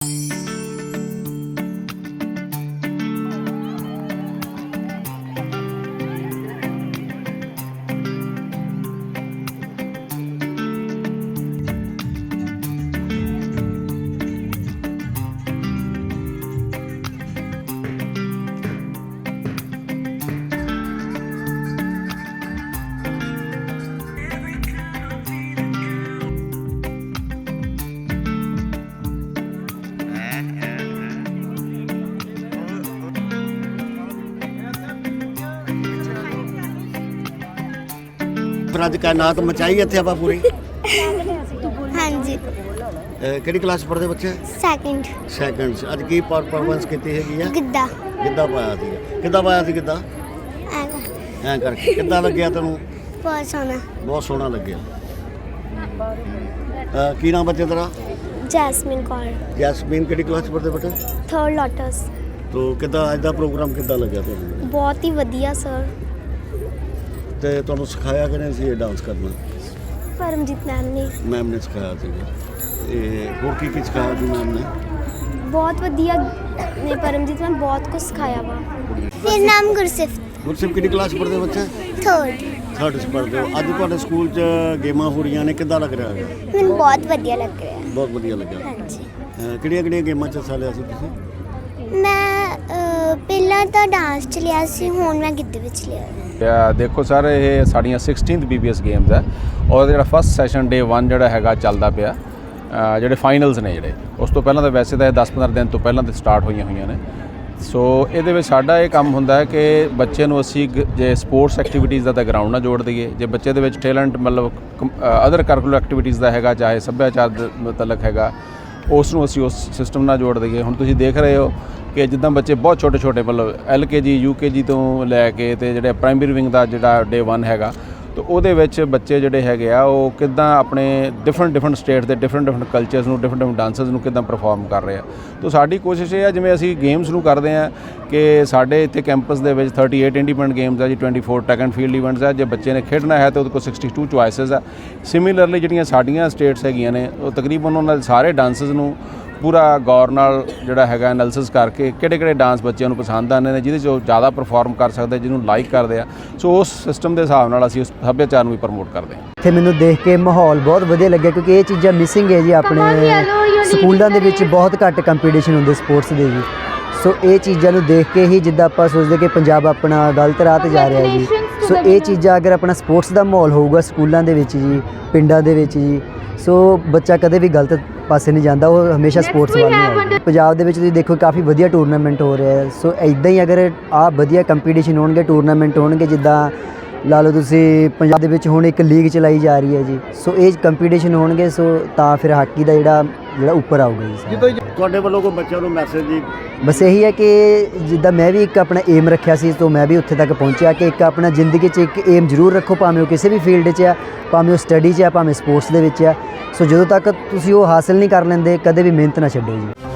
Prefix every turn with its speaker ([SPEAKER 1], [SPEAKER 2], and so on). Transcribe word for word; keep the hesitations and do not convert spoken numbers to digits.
[SPEAKER 1] ਫਿਰ ਅੱਜ ਕਾਇਨਾਤ ਮਚਾਈ ਇੱਥੇ ਆਪਾਂ ਪੂਰੀ।
[SPEAKER 2] ਹਾਂਜੀ
[SPEAKER 1] ਕਿਹੜੀ ਕਲਾਸ ਪੜ੍ਹਦੇ ਬੱਚੇ?
[SPEAKER 2] ਸੈਕਿੰਡ
[SPEAKER 1] ਸੈਕਿੰਡ 'ਚ। ਅੱਜ ਕੀ ਪਰਫਾਰਮੈਂਸ ਕੀਤੀ ਹੈਗੀ ਆ?
[SPEAKER 2] ਗਿੱਧਾ
[SPEAKER 1] ਗਿੱਧਾ ਪਾਇਆ ਸੀ। ਕਿੱਦਾਂ ਪਾਇਆ ਸੀ ਗਿੱਧਾ? ਐਂ ਕਰਕੇ। ਕਿੱਦਾਂ ਲੱਗਿਆ ਤੈਨੂੰ?
[SPEAKER 2] ਬਹੁਤ ਸੋਹਣਾ
[SPEAKER 1] ਬਹੁਤ ਸੋਹਣਾ ਲੱਗਿਆ। ਅਹ ਕੀ ਨਾਮ ਬੱਚੇ ਤੇਰਾ?
[SPEAKER 2] ਜੈਸਮੀਨ ਕੌਰ
[SPEAKER 1] ਜੈਸਮੀਨ ਕਿਹੜੀ ਕਲਾਸ 'ਚ ਪੜ੍ਹਦੇ ਬੇਟੇ?
[SPEAKER 2] Third lotus.
[SPEAKER 1] ਤੋ ਕਿੱਦਾਂ ਅੱਜ ਦਾ ਪ੍ਰੋਗਰਾਮ ਕਿੱਦਾਂ ਲੱਗਿਆ ਤੁਹਾਨੂੰ?
[SPEAKER 2] ਬਹੁਤ ਹੀ ਵਧੀਆ ਸਰ।
[SPEAKER 1] ਤੇ ਤੁਹਾਨੂੰ ਸਿਖਾਇਆ ਕਿਹਨੇ ਸੀ ਇਹ ਡਾਂਸ ਕਰਨਾ?
[SPEAKER 2] ਪਰਮਜੀਤ ਮੈਮ ਨੇ।
[SPEAKER 1] ਮੈਮ ਨੇ ਸਿਖਾਇਆ ਸੀਗਾ। ਇਹ ਹੋਰ ਕੀ ਕੀ ਸਿਖਾਇਆ ਸੀ ਮੈਮ ਨੇ?
[SPEAKER 2] ਬਹੁਤ ਵਧੀਆ ਨੇ ਪਰਮਜੀਤ ਮੈਮ, ਬਹੁਤ ਕੁਝ ਸਿਖਾਇਆ ਵਾ। ਮੇਰਾ ਨਾਮ ਗੁਰਸਿਫਤ।
[SPEAKER 1] ਗੁਰਸਿਫਤ ਕਿਹੜੀ ਕਲਾਸ 'ਚ ਪੜ੍ਹਦੇ ਬੱਚੇ?
[SPEAKER 2] ਥਰਡ
[SPEAKER 1] ਥਰਡ 'ਚ ਪੜ੍ਹਦੇ ਹੋ। ਅੱਜ ਤੁਹਾਡੇ ਸਕੂਲ 'ਚ ਗੇਮਾਂ ਹੋ ਰਹੀਆਂ ਨੇ, ਕਿੱਦਾਂ ਲੱਗ ਰਿਹਾ ਹੈ?
[SPEAKER 2] ਮੈਨੂੰ ਬਹੁਤ ਵਧੀਆ ਲੱਗ ਰਿਹਾ।
[SPEAKER 1] ਬਹੁਤ ਵਧੀਆ ਲੱਗਿਆ।
[SPEAKER 2] ਹਾਂਜੀ
[SPEAKER 1] ਕਿਹੜੀਆਂ ਕਿਹੜੀਆਂ ਗੇਮਾਂ 'ਚ ਹਿੱਸਾ ਲਿਆ ਸੀ ਤੁਸੀਂ?
[SPEAKER 2] ਮੈਂ ਅਹ, ਪਹਿਲਾਂ ਤਾਂ ਡਾਂਸ ਚ ਲਿਆ ਸੀ, ਹੁਣ ਮੈਂ ਗਿੱਧੇ ਵਿੱਚ ਲਿਆ।
[SPEAKER 3] ਦੇਖੋ ਸਰ, ਇਹ ਸਾਡੀਆਂ sixteenth B B S games ਹੈ ਔਰ ਜਿਹੜਾ ਫਸਟ ਸੈਸ਼ਨ ਡੇ ਵਨ ਜਿਹੜਾ ਹੈਗਾ ਚੱਲਦਾ ਪਿਆ। ਜਿਹੜੇ ਫਾਈਨਲਸ ਨੇ ਜਿਹੜੇ ਉਸ ਤੋਂ ਪਹਿਲਾਂ ਤਾਂ ਵੈਸੇ ਤਾਂ ਇਹ ਦਸ ਪੰਦਰਾਂ ਦਿਨ ਤੋਂ ਪਹਿਲਾਂ ਤੇ ਸਟਾਰਟ ਹੋਈਆਂ ਹੋਈਆਂ ਨੇ। ਸੋ ਇਹਦੇ ਵਿੱਚ ਸਾਡਾ ਇਹ ਕੰਮ ਹੁੰਦਾ ਹੈ ਕਿ ਬੱਚੇ ਨੂੰ ਅਸੀਂ ਜੇ ਸਪੋਰਟਸ ਐਕਟੀਵਿਟੀਜ਼ ਦਾ ਤਾਂ ਗਰਾਊਂਡ ਨਾਲ ਜੋੜ ਦਈਏ, ਜੇ ਬੱਚੇ ਦੇ ਵਿੱਚ ਟੈਲੈਂਟ ਮਤਲਬ ਅਦਰ ਕਰਿਕੂਲਰ ਐਕਟੀਵਿਟੀਜ਼ ਦਾ ਹੈਗਾ, ਚਾਹੇ ਸੱਭਿਆਚਾਰ ਦੇ ਮੁਤਲਕ ਹੈਗਾ, ਉਸ ਨੂੰ ਅਸੀਂ ਉਸ ਸਿਸਟਮ ਨਾਲ ਜੋੜ ਦਈਏ। ਹੁਣ ਤੁਸੀਂ ਦੇਖ ਰਹੇ ਹੋ ਕਿ ਜਿੱਦਾਂ ਬੱਚੇ ਬਹੁਤ ਛੋਟੇ ਛੋਟੇ ਮਤਲਬ ਐਲ ਕੇ ਜੀ ਯੂ ਕੇ ਜੀ ਤੋਂ ਲੈ ਕੇ ਤੇ ਜਿਹੜੇ ਪ੍ਰਾਇਮਰੀ ਵਿੰਗ ਦਾ ਜਿਹੜਾ ਡੇ ਵਨ ਹੈਗਾ, ਤਾਂ ਉਹਦੇ ਵਿੱਚ ਬੱਚੇ ਜਿਹੜੇ ਹੈਗੇ ਆ ਉਹ ਕਿੱਦਾਂ ਆਪਣੇ ਡਿਫਰੈਂਟ ਡਿਫਰੈਂਟ ਸਟੇਟ ਦੇ ਡਿਫਰੈਂਟ ਡਿਫਰੈਂਟ ਕਲਚਰਸ ਨੂੰ ਡਿਫਰੈਂਟ ਡਿਫਰੈਂਟ ਡਾਂਸਰਸ ਨੂੰ ਕਿੱਦਾਂ ਪਰਫਾਰਮ ਕਰ ਰਹੇ ਆ। ਤਾਂ ਸਾਡੀ ਕੋਸ਼ਿਸ਼ ਇਹ ਆ, ਜਿਵੇਂ ਅਸੀਂ ਗੇਮਸ ਨੂੰ ਕਰਦੇ ਆ ਕਿ ਸਾਡੇ ਇੱਥੇ ਕੈਂਪਸ ਦੇ ਵਿੱਚ ਥਰਟੀ ਏਟ ਇੰਡੀਪੈਂਡੈਂਟ ਗੇਮਸ ਆ ਜੀ, twenty four track and field events ਆ। ਜੇ ਬੱਚੇ ਨੇ ਖੇਡਣਾ ਹੈ ਤਾਂ ਉਹਦੇ ਕੋਲ ਸਿਕਸਟੀ ਟੂ ਚੁਆਇਸਿਸ ਆ। ਸਿਮਿਲਰਲੀ ਜਿਹੜੀਆਂ ਸਾਡੀਆਂ ਸਟੇਟਸ ਹੈਗੀਆਂ ਨੇ, ਉਹ ਤਕਰੀਬਨ ਉਹਨਾਂ ਦੇ ਸਾਰੇ ਡਾਂਸਰਸ ਨੂੰ ਪੂਰਾ ਗੌਰ ਨਾਲ ਜਿਹੜਾ ਹੈਗਾ ਐਨਾਲਿਸਿਸ ਕਰਕੇ ਕਿਹੜੇ ਕਿਹੜੇ ਡਾਂਸ ਬੱਚਿਆਂ ਨੂੰ ਪਸੰਦ ਆਉਂਦੇ ਨੇ, ਜਿਹਦੇ 'ਚ ਉਹ ਜ਼ਿਆਦਾ ਪਰਫਾਰਮ ਕਰ ਸਕਦੇ, ਜਿਹਨੂੰ ਲਾਈਕ ਕਰਦੇ ਆ। ਸੋ ਉਸ ਸਿਸਟਮ ਦੇ ਹਿਸਾਬ ਨਾਲ ਅਸੀਂ ਉਸ ਸੱਭਿਆਚਾਰ ਨੂੰ ਵੀ ਪ੍ਰਮੋਟ ਕਰਦੇ ਹਾਂ।
[SPEAKER 4] ਇੱਥੇ ਮੈਨੂੰ ਦੇਖ ਕੇ ਮਾਹੌਲ ਬਹੁਤ ਵਧੀਆ ਲੱਗਿਆ, ਕਿਉਂਕਿ ਇਹ ਚੀਜ਼ਾਂ ਮਿਸਿੰਗ ਹੈ ਜੀ। ਆਪਣੇ ਸਕੂਲਾਂ ਦੇ ਵਿੱਚ ਬਹੁਤ ਘੱਟ ਕੰਪੀਟੀਸ਼ਨ ਹੁੰਦੇ ਸਪੋਰਟਸ ਦੇ ਜੀ। ਸੋ ਇਹ ਚੀਜ਼ਾਂ ਨੂੰ ਦੇਖ ਕੇ ਹੀ ਜਿੱਦਾਂ ਆਪਾਂ ਸੋਚਦੇ ਕਿ ਪੰਜਾਬ ਆਪਣਾ ਗਲਤ ਰਾਹ 'ਤੇ ਜਾ ਰਿਹਾ ਜੀ। ਸੋ ਇਹ ਚੀਜ਼ਾਂ ਅਗਰ ਆਪਣਾ ਸਪੋਰਟਸ ਦਾ ਮਾਹੌਲ ਹੋਊਗਾ ਸਕੂਲਾਂ ਦੇ ਵਿੱਚ ਜੀ, ਪਿੰਡਾਂ ਦੇ ਵਿੱਚ ਜੀ, ਸੋ ਬੱਚਾ ਕਦੇ ਵੀ ਗਲਤ ਪਾਸੇ ਨਹੀਂ ਜਾਂਦਾ, ਉਹ ਹਮੇਸ਼ਾ ਸਪੋਰਟਸ ਵੱਲ ਨੂੰ ਆਉਂਦਾ। ਪੰਜਾਬ ਦੇ ਵਿੱਚ ਤੁਸੀਂ ਦੇਖੋ ਕਾਫੀ ਵਧੀਆ ਟੂਰਨਾਮੈਂਟ ਹੋ ਰਿਹਾ ਹੈ। ਸੋ ਇੱਦਾਂ ਹੀ ਅਗਰ ਆਹ ਵਧੀਆ ਕੰਪੀਟੀਸ਼ਨ ਹੋਣਗੇ, ਟੂਰਨਾਮੈਂਟ ਹੋਣਗੇ, ਜਿੱਦਾਂ ਲਾ ਲਓ ਤੁਸੀਂ ਪੰਜਾਬ ਦੇ ਵਿੱਚ ਹੁਣ ਇੱਕ ਲੀਗ ਚਲਾਈ ਜਾ ਰਹੀ ਹੈ ਜੀ। ਸੋ ਇਹ ਕੰਪੀਟੀਸ਼ਨ ਹੋਣਗੇ, ਸੋ ਤਾਂ ਫਿਰ ਹਾਕੀ ਦਾ ਜਿਹੜਾ ਜਿਹੜਾ ਉੱਪਰ ਆਊਗਾ ਜੀ।
[SPEAKER 1] ਤੁਹਾਡੇ ਵੱਲੋਂ ਕੋਈ ਬੱਚਿਆਂ ਨੂੰ ਮੈਸੇਜ ਜੀ?
[SPEAKER 4] ਬਸ ਇਹੀ ਹੈ ਕਿ ਜਿੱਦਾਂ ਮੈਂ ਵੀ ਇੱਕ ਆਪਣਾ ਏਮ ਰੱਖਿਆ ਸੀ, ਤੋਂ ਮੈਂ ਵੀ ਉੱਥੇ ਤੱਕ ਪਹੁੰਚਿਆ ਕਿ ਇੱਕ ਆਪਣਾ ਜ਼ਿੰਦਗੀ 'ਚ ਇੱਕ ਏਮ ਜ਼ਰੂਰ ਰੱਖੋ, ਭਾਵੇਂ ਉਹ ਕਿਸੇ ਵੀ ਫੀਲਡ 'ਚ ਆ, ਭਾਵੇਂ ਉਹ ਸਟੱਡੀ 'ਚ ਆ, ਭਾਵੇਂ ਸਪੋਰਟਸ ਦੇ ਵਿੱਚ ਆ। ਸੋ ਜਦੋਂ ਤੱਕ ਤੁਸੀਂ ਉਹ ਹਾਸਿਲ ਨਹੀਂ ਕਰ ਲੈਂਦੇ, ਕਦੇ ਵੀ ਮਿਹਨਤ ਨਾ ਛੱਡੋ ਜੀ।